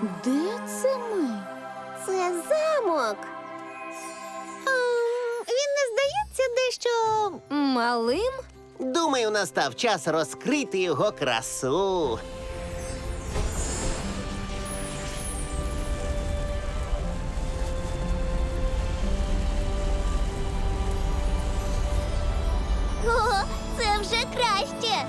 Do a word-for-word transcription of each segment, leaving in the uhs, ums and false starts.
Де це ми? Це замок. Ем, він не здається дещо... Малим? Думаю, настав час розкрити його красу. О, це вже краще.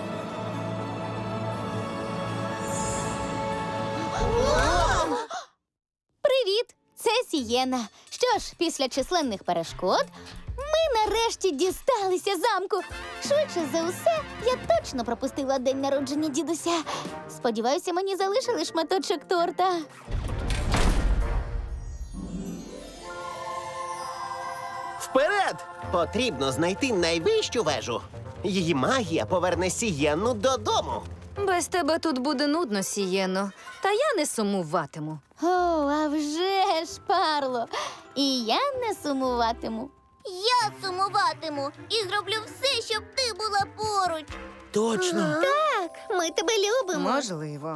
Привіт! Це Сієна. Що ж, після численних перешкод ми нарешті дісталися замку. Швидше за усе, я точно пропустила день народження дідуся. Сподіваюся, мені залишили шматочок торта. Вперед! Потрібно знайти найвищу вежу. Її магія поверне Сієнну додому. Без тебе тут буде нудно, Сієно, та я не сумуватиму. О, а вже ж, Парло. І я не сумуватиму. Я сумуватиму і зроблю все, щоб ти була поруч. Точно. Так, ми тебе любимо. Можливо.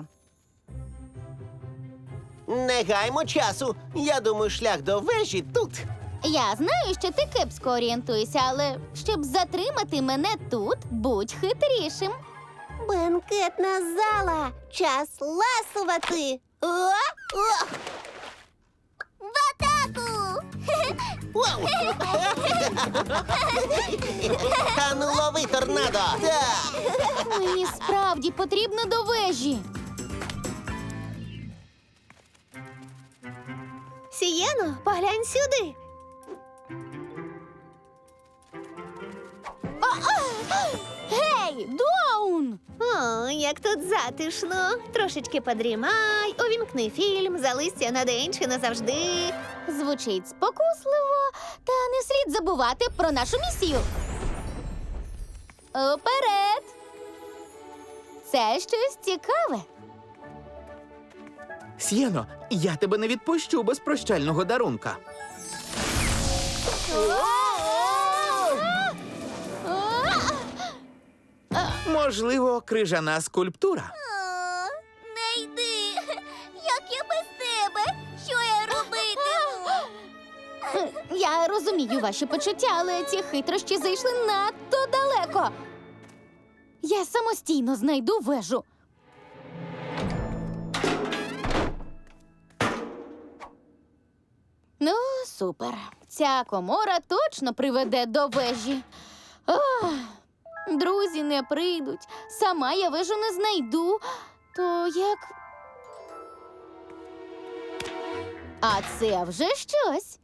Не гаймо часу. Я думаю, шлях до вежі тут. Я знаю, що ти кепсько орієнтуєшся, але щоб затримати мене тут, будь хитрішим. Бенкетна зала. Час ласувати. О, о. В атаку! Вау! Та ну лови, торнадо! Так! Мені справді потрібно до вежі. Сієно, поглянь сюди. Гей, Доун! О, як тут затишно. Трошечки подрімай, увімкни фільм, залися на день чи назавжди. Звучить спокусливо, та не слід забувати про нашу місію. Уперед! Це щось цікаве. Сієно, я тебе не відпущу без прощального дарунка. Можливо, крижана скульптура. О, не йди. Як я без тебе? Що я робитиму? Я розумію ваші почуття, але ці хитрощі зайшли надто далеко. Я самостійно знайду вежу. Ну, супер. Ця комора точно приведе до вежі. Ох, друзі не прийдуть. Сама я вежу не знайду. То як? А це вже щось.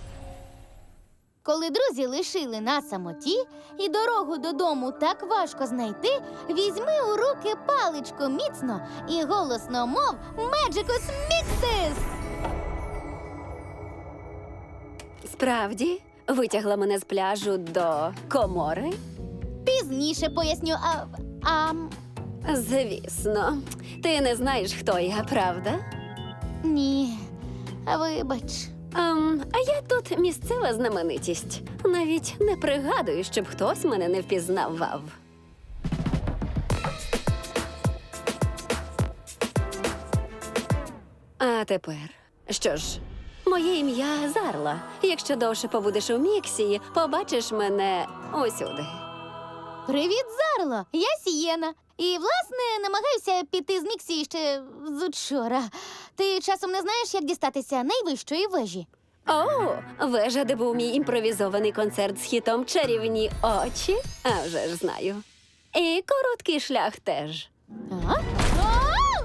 Коли друзі лишили на самоті і дорогу додому так важко знайти, візьми у руки паличку міцно і голосно мов «Меджикус Міксис!» Справді, витягла мене з пляжу до комори? Пізніше поясню, а... а... Звісно. Ти не знаєш, хто я, правда? Ні, вибач. Ем, а я тут місцева знаменитість. Навіть не пригадую, щоб хтось мене не впізнавав. А тепер, що ж, моє ім'я Зарла. Якщо довше побудеш у Міксії, побачиш мене усюди. Привіт, Зарло! Я Сієна. І, власне, намагаюся піти з Міксії ще з учора. Ти часом не знаєш, як дістатися найвищої вежі? О, вежа, де був мій імпровізований концерт з хітом «Чарівні очі». А вже ж знаю. І короткий шлях теж. А? А!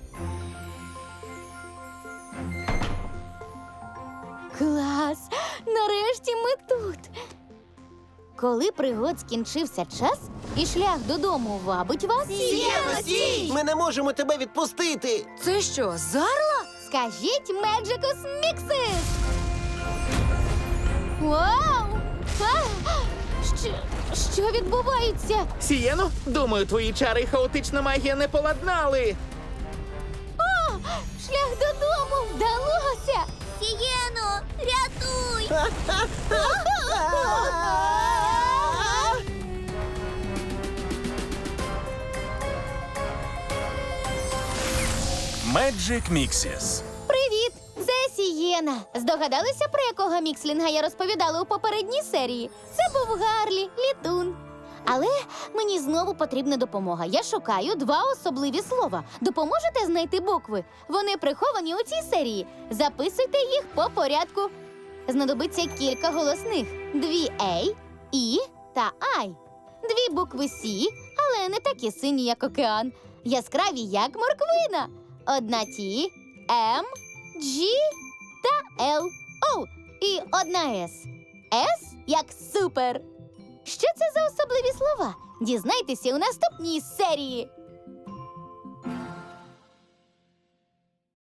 Клас! Нарешті ми тут. Коли пригод скінчився час і шлях додому вабить вас, Ми не можемо тебе відпустити. Це що, Зарла? скажіть «Меджикус Міксис!» Вау! А! Що, що відбувається? Сієно, думаю, твої чари і хаотична магія не поладнали. О, шлях додому вдалося! Сієно, рятуй! Magic Mixes. Привіт! Це Сієна. Здогадалися, про якого мікслінга я розповідала у попередній серії? Це був Гарлі, літун. Але мені знову потрібна допомога. Я шукаю два особливі слова. Допоможете знайти букви? Вони приховані у цій серії. Записуйте їх по порядку. Знадобиться кілька голосних. Дві «ей», «і» та «ай». Дві букви «сі», але не такі сині, як океан. Яскраві, як морквина. Одна «ті», «ем», «джі» та «ел». О, і одна «с». «С» як супер. Що це за особливі слова? Дізнайтеся у наступній серії.